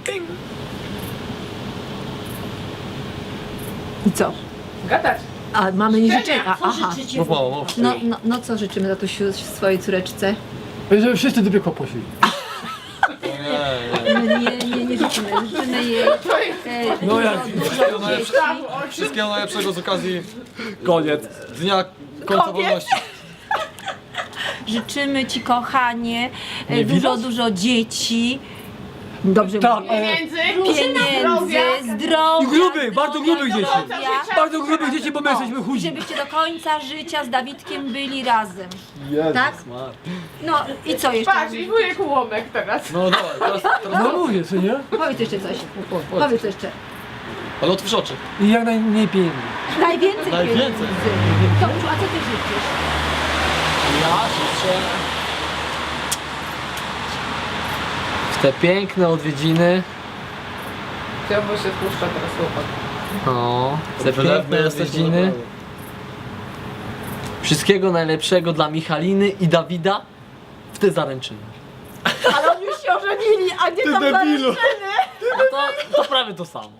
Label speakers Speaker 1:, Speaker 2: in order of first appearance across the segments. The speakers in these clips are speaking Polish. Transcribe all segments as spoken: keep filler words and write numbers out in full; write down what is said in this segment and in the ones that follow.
Speaker 1: I co?
Speaker 2: Gadać.
Speaker 1: A mamy nie życzenia. Aha.
Speaker 3: Mów mało, mów.
Speaker 1: No, no, no co życzymy tatusiu swojej córeczce?
Speaker 4: Żeby wszyscy do piekła poszli.
Speaker 3: Nie, nie.
Speaker 1: No nie, nie, nie życzymy. Życzymy jej e,
Speaker 4: No jak?
Speaker 3: Wszystkiego, najlepsze, wszystkiego najlepszego z okazji
Speaker 4: Koniec.
Speaker 3: Dnia Końca Wolności.
Speaker 1: Życzymy ci, kochanie, e,
Speaker 4: Nie
Speaker 1: dużo,
Speaker 4: widać?
Speaker 1: dużo dzieci. Dobrze
Speaker 4: Tak,
Speaker 1: mówię.
Speaker 4: e,
Speaker 2: Pieniędzy,
Speaker 1: Pieniędzy, zdrowia.
Speaker 4: I grubych, bardzo grubych dzieci.
Speaker 1: zdrowia.
Speaker 4: Bardzo grubych dzieci, bo my jesteśmy
Speaker 1: I
Speaker 4: chudzi.
Speaker 1: żebyście do końca życia z Dawidkiem byli razem. Tak? No i co jeszcze?
Speaker 2: Patrz, i wujek Łomek teraz.
Speaker 3: No dawaj, teraz, teraz
Speaker 4: No mówię, co nie?
Speaker 1: Powiedz jeszcze coś. Powiedz jeszcze.
Speaker 3: ale otwórz oczy.
Speaker 4: I jak najmniej pieniędzy.
Speaker 1: Najwięcej
Speaker 3: Najwięcej.
Speaker 1: pieniędzy. Tomciu, a co ty życzysz?
Speaker 5: Ja życzę w te piękne odwiedziny,
Speaker 2: Chciałby się spuszcza teraz chłopak.
Speaker 5: no, te
Speaker 3: Wylewny
Speaker 5: piękne
Speaker 3: jesteś,
Speaker 5: odwiedziny.
Speaker 3: naprawdę.
Speaker 5: Wszystkiego najlepszego dla Michaliny i Dawida w te zaręczyny.
Speaker 1: Ale oni już się ożenili, a nie tam
Speaker 4: debilu.
Speaker 5: No to, to prawie to samo.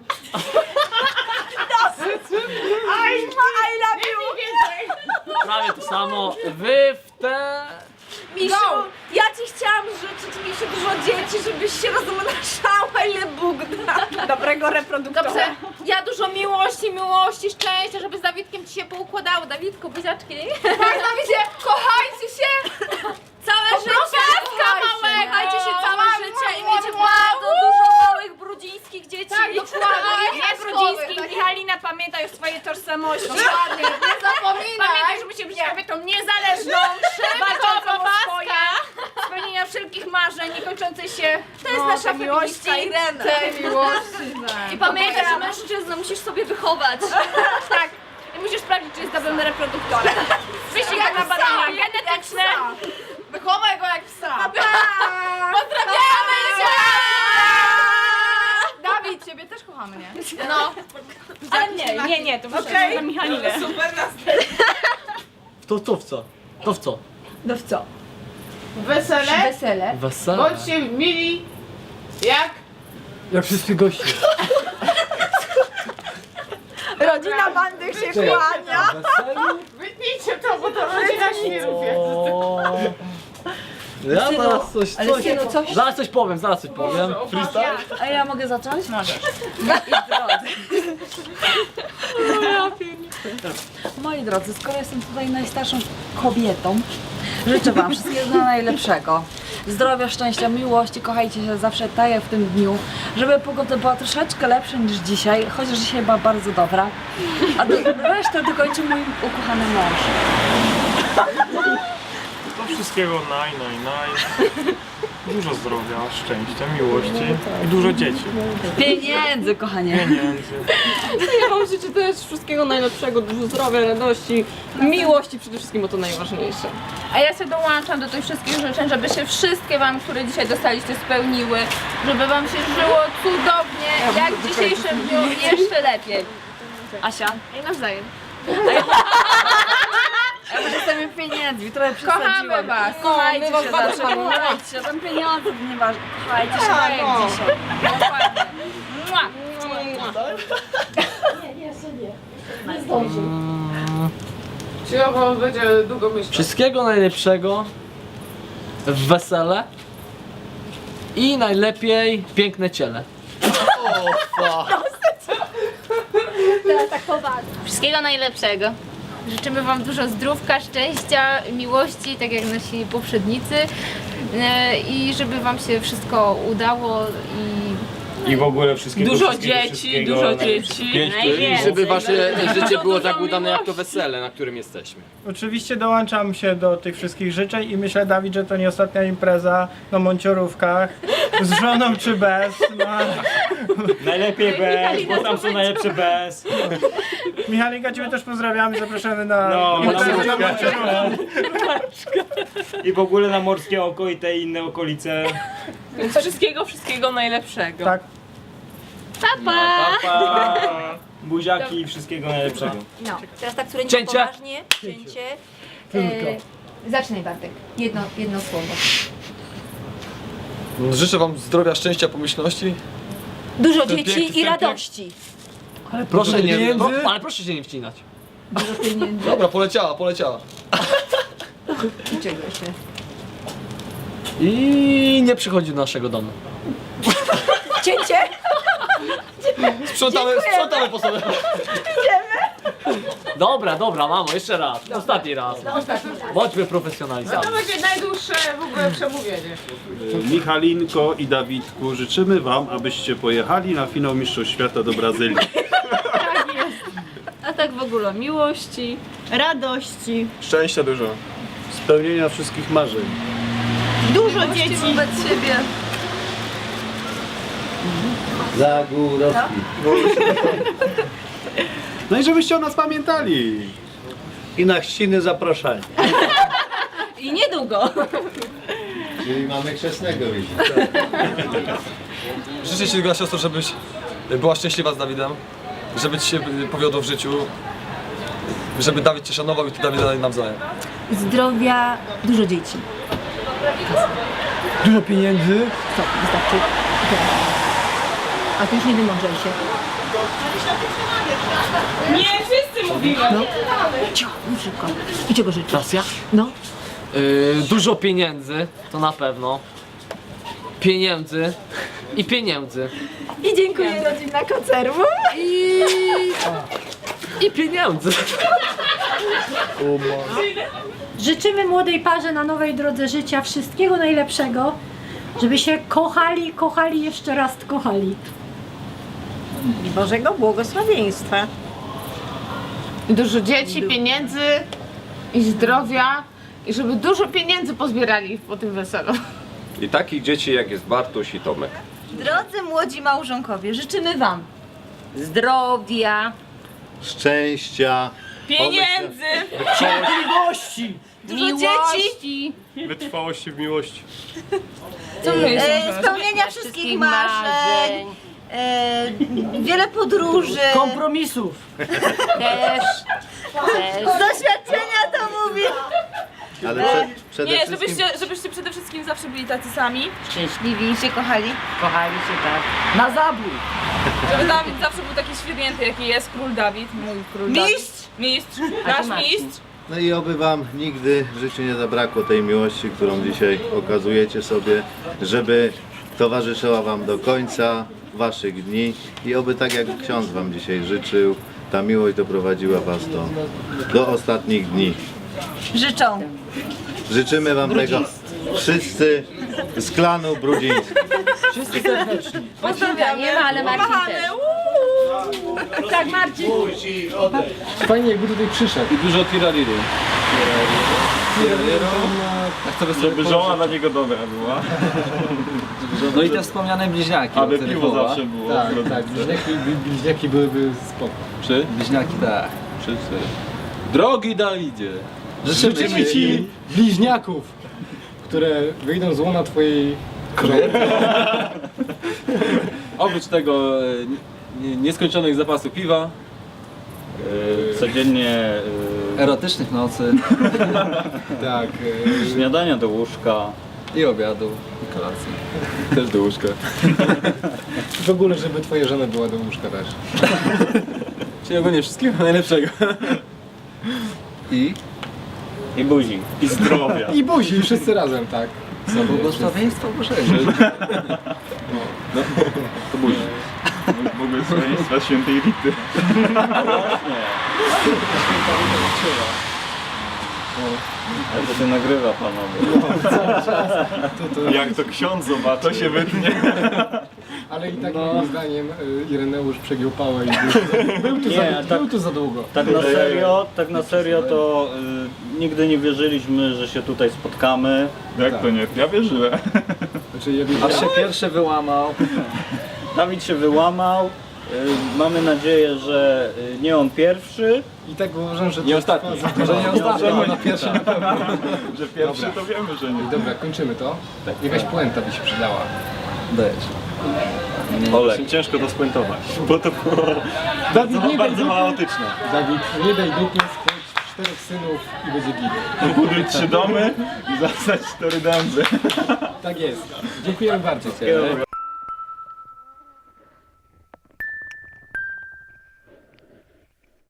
Speaker 1: I love you!
Speaker 5: Prawie to samo. Wy w te...
Speaker 1: Misiu, ja ci chciałam życzyć, Misiu, dużo dzieci, żebyś się rozmnażała, ile Bóg da. Dobrego reproduktora.
Speaker 2: Dobrze, ja dużo miłości, miłości, szczęścia, żeby z Dawidkiem ci się poukładało. Dawidku, buziaczki. Tak, Dawidzie, kochajcie się! Całe życie!
Speaker 1: małego!
Speaker 2: Kochajcie się całe życie i miecie
Speaker 1: Wow,
Speaker 2: bardzo dużo małych brudzińskich dzieci.
Speaker 1: Tak, dokładnie.
Speaker 2: Nie brudzińskich,
Speaker 1: Tak.
Speaker 2: Michalina, pamiętaj o swojej tożsamości.
Speaker 1: Dokładnie, nie zapominaj.
Speaker 2: Pamiętaj, że musimy być kobietą niezależną, walczącą o swoje, spełnienia wszelkich marzeń, niekończącej się. To jest nasza miłość.
Speaker 1: Irena.
Speaker 2: Tej miłości. I pamiętaj, że mężczyznę musisz sobie wychować. Tak. I musisz sprawdzić, czy jest dobrym reproduktorem. Wyślij go na badania genetyczne.
Speaker 1: Wychowaj go jak psa.
Speaker 2: Pozdrawiamy cię!
Speaker 1: Dawid, ciebie też kochamy, nie?
Speaker 2: No. Ale nie, nie, nie, to muszę okay. na Michalinę.
Speaker 5: To, to w co? To w co?
Speaker 1: No w co?
Speaker 2: Wesele.
Speaker 1: Wesele.
Speaker 5: Wesele.
Speaker 2: Bądźcie mili jak
Speaker 4: Jak wszyscy goście.
Speaker 1: Rodzina Mandych się kłania.
Speaker 2: wytnijcie to, bo to rodzina świrów jest.
Speaker 5: O. Ja
Speaker 1: Synu,
Speaker 5: zaraz coś,
Speaker 1: ale
Speaker 5: coś,
Speaker 1: synu, coś-
Speaker 5: zaraz coś powiem, zaraz coś powiem.
Speaker 3: Freestyle?
Speaker 1: A ja mogę zacząć? Możesz.
Speaker 6: Moi drodzy, skoro jestem tutaj najstarszą kobietą, życzę Wam wszystkiego najlepszego. Zdrowia, szczęścia, miłości, kochajcie się zawsze tak jak w tym dniu, żeby pogoda była troszeczkę lepsza niż dzisiaj, chociaż dzisiaj była bardzo dobra, a do, resztę dokończy mój ukochany mąż.
Speaker 7: To wszystkiego naj, naj, naj. Dużo zdrowia, szczęścia, miłości i dużo dzieci.
Speaker 6: Pieniędzy, kochanie.
Speaker 7: Pieniędzy.
Speaker 8: Ja wam życzę też wszystkiego najlepszego, dużo zdrowia, radości, miłości przede wszystkim, bo to najważniejsze.
Speaker 2: A ja się dołączam do tych wszystkich życzeń, żeby się wszystkie wam, które dzisiaj dostaliście, spełniły, żeby wam się żyło cudownie, jak w dzisiejszym dniu i jeszcze lepiej.
Speaker 6: Asia?
Speaker 2: I nawzajem.
Speaker 6: Ja już jestem pieniędzmi, trochę
Speaker 2: Kochamy
Speaker 6: przesadziłam.
Speaker 2: was.
Speaker 6: Kochajcie
Speaker 8: No, my was
Speaker 6: się
Speaker 8: bardzo
Speaker 6: zawsze,
Speaker 8: kochamy.
Speaker 6: kochajcie się, tam pieniądze to nieważne. Kochajcie się tak jak dzisiaj.
Speaker 2: Dokładnie. Mua. Cicho, będzie długo myśleć.
Speaker 5: Wszystkiego najlepszego w wesele i najlepiej piękne ciele.
Speaker 2: Wszystkiego najlepszego. Życzymy wam dużo zdrówka, szczęścia, miłości, tak jak nasi poprzednicy. E, I żeby wam się wszystko udało i
Speaker 7: I w ogóle wszystkiego
Speaker 8: Dużo
Speaker 7: wszystkiego,
Speaker 8: dzieci,
Speaker 7: wszystkiego,
Speaker 8: dużo
Speaker 7: najlepszego.
Speaker 8: dzieci.
Speaker 9: I żeby wasze życie było tak udane jak to wesele, na którym jesteśmy.
Speaker 4: Oczywiście dołączam się do tych wszystkich życzeń i myślę, Dawid, że to nie ostatnia impreza na Monciorówkach, z żoną czy bez. No.
Speaker 7: Najlepiej bez, bo tam są najlepsze bez.
Speaker 4: Michalinka, Ciebie też pozdrawiamy, zapraszamy na
Speaker 7: No, na
Speaker 4: imprezę na
Speaker 7: Morskie.
Speaker 4: Monciorówkę.
Speaker 7: I w ogóle na Morskie Oko i te inne okolice.
Speaker 8: Więc wszystkiego, wszystkiego najlepszego.
Speaker 4: Tak.
Speaker 7: Pa, pa. Buziaki i wszystkiego najlepszego.
Speaker 1: No, teraz tak, które nie
Speaker 5: Cięcie.
Speaker 1: poważnie. Cięcie. E, zacznij, Bartek. Jedno, jedno słowo.
Speaker 3: Życzę wam zdrowia, szczęścia, pomyślności
Speaker 10: Dużo
Speaker 3: Ten
Speaker 10: dzieci
Speaker 3: piękny
Speaker 10: i
Speaker 3: wstępik.
Speaker 10: radości.
Speaker 5: Proszę nie,
Speaker 3: pieniędzy?
Speaker 5: pro, ale proszę się nie wcinać.
Speaker 6: Dużo pieniędzy.
Speaker 3: Dobra, poleciała, poleciała.
Speaker 6: Czego jeszcze?
Speaker 5: I nie przychodzi do naszego domu.
Speaker 10: Cięcie?
Speaker 3: Sprzątamy, sprzątamy po sobie.
Speaker 5: Dobra, dobra, mamo, jeszcze raz. Ostatni raz. Bądźmy profesjonalistami.
Speaker 8: będzie najdłuższe w ogóle przemówienie.
Speaker 11: Michalinko i Dawidku, życzymy wam, abyście pojechali na finał Mistrzostw Świata do Brazylii.
Speaker 8: A tak w ogóle miłości, radości,
Speaker 11: Szczęścia dużo. Spełnienia wszystkich marzeń.
Speaker 8: dużo dzieci.
Speaker 6: wobec siebie.
Speaker 12: Zagórowski.
Speaker 11: No i żebyście o nas pamiętali.
Speaker 12: I na chrzciny zapraszali.
Speaker 6: I niedługo.
Speaker 12: Czyli mamy chrzestnego już.
Speaker 3: Życzę ci, droga siostro, żebyś była szczęśliwa z Dawidem, żeby ci się powiodło w życiu, żeby Dawid cię szanował i ty Dawida nawzajem.
Speaker 10: Zdrowia, dużo dzieci.
Speaker 4: Dużo pieniędzy.
Speaker 10: Stop, wystarczy. A ty już nie wymądrzaj się.
Speaker 8: Nie, wszyscy mówimy.
Speaker 10: Cicho, mów szybko. I czego życzysz?
Speaker 5: Raz ja?
Speaker 10: No.
Speaker 5: Yy, dużo pieniędzy, to na pewno. Pieniędzy i pieniędzy.
Speaker 10: I dziękuję rodzina koncerwu.
Speaker 5: I... I pieniędzy.
Speaker 10: Życzymy młodej parze na nowej drodze życia wszystkiego najlepszego, żeby się kochali, kochali, jeszcze raz kochali.
Speaker 1: I Bożego błogosławieństwa.
Speaker 2: Dużo dzieci, pieniędzy i zdrowia. I żeby dużo pieniędzy pozbierali po tym weselu.
Speaker 9: I takich dzieci jak jest Bartuś i Tomek.
Speaker 1: Drodzy młodzi małżonkowie, życzymy wam zdrowia,
Speaker 12: Szczęścia.
Speaker 8: Pieniędzy.
Speaker 4: Cierpliwości.
Speaker 1: dużo dzieci,
Speaker 7: Wytrwałości w miłości.
Speaker 1: e, spełnienia wszystkich marzeń, e, wiele podróży.
Speaker 4: Kompromisów.
Speaker 10: Też.
Speaker 1: Z doświadczenia to mówię.
Speaker 12: Ale przed, przede
Speaker 8: Nie,
Speaker 12: wszystkim...
Speaker 8: żebyście, żebyście przede wszystkim zawsze byli tacy sami.
Speaker 1: Szczęśliwi i się kochali.
Speaker 10: Kochali się tak.
Speaker 4: Na zabój.
Speaker 8: Żeby Dawid zawsze był taki świetnięty, jaki jest król Dawid, mój król
Speaker 1: Mistrz!
Speaker 8: Dawid. Mistrz! Nasz mistrz!
Speaker 12: No i oby wam nigdy w życiu nie zabrakło tej miłości, którą dzisiaj okazujecie sobie, żeby towarzyszyła wam do końca waszych dni i oby tak jak ksiądz wam dzisiaj życzył, ta miłość doprowadziła was do, do ostatnich dni.
Speaker 1: Życzą.
Speaker 12: Życzymy wam tego wszyscy z klanu Brudziński.
Speaker 4: Wszyscy serdeczni.
Speaker 10: Pozdrawiam, nie ma, ale Marcin też. Tak, Marcin.
Speaker 4: Fajnie jakby tutaj przyszedł.
Speaker 11: I dużo tiraliru. Żeby żona dla niego dobra była.
Speaker 3: No i te wspomniane bliźniaki.
Speaker 11: Aby piwo zawsze było.
Speaker 4: Tak, tak. Bliźniaki, bliźniaki byłyby spoko.
Speaker 11: Czy?
Speaker 3: Bliźniaki, tak.
Speaker 11: Trzy, cztery. Drogi Dawidzie.
Speaker 4: Życzymy ci bliźniaków, które wyjdą z łona twojej krowy.
Speaker 11: Oprócz tego e, nie- nieskończonych zapasów piwa. E, Codziennie e,
Speaker 3: Erotycznych nocy
Speaker 4: Tak.
Speaker 11: śniadania do łóżka.
Speaker 3: i obiadu i kolacji.
Speaker 11: Też do łóżka.
Speaker 4: W ogóle, żeby twoja żona była do łóżka też.
Speaker 11: Czyli ogólnie wszystkiego najlepszego.
Speaker 3: I?
Speaker 11: I buzi. I zdrowia.
Speaker 4: I buzi, wszyscy razem, tak.
Speaker 3: Błogosławieństwo Bożego.
Speaker 11: To buzi. Błogosławieństwa świętej Rity. Ale to się nagrywa, panowie. Jak to ksiądz zobaczy, to się wytnie.
Speaker 4: Ale i tak moim zdaniem y, Ireneusz przegiął pałę i był, był, tu,
Speaker 13: Nie,
Speaker 4: za,
Speaker 13: tak-
Speaker 4: był tu za długo.
Speaker 13: Tak na serio, tak na serio to y, nigdy nie wierzyliśmy, że się tutaj spotkamy.
Speaker 11: Jak to nie? Ja wierzyłem.
Speaker 4: Znaczy, ja
Speaker 3: Aż się pierwszy wyłamał.
Speaker 13: Dawid się wyłamał. Y, mamy nadzieję, że y, nie on pierwszy.
Speaker 4: I tak uważam, że...
Speaker 11: Nie
Speaker 4: to
Speaker 11: ostatni.
Speaker 4: trwa za-
Speaker 3: Może nie ostatnio, ale na pierwszy na pewno.
Speaker 11: Że pierwszy to wiemy, że nie.
Speaker 4: Dobra, kończymy to. Jakaś puenta by się przydała.
Speaker 3: Dajesz.
Speaker 11: Olek. Ciężko to spuentować, bo to było
Speaker 4: Dawid, nie daj
Speaker 11: bardzo
Speaker 4: dupy.
Speaker 11: chaotyczne.
Speaker 4: Dawid, nie daj dupy, spłać czterech synów i będzie git.
Speaker 11: Buduj trzy domy i zasać cztery dęby.
Speaker 4: Tak jest. Dziękujemy bardzo.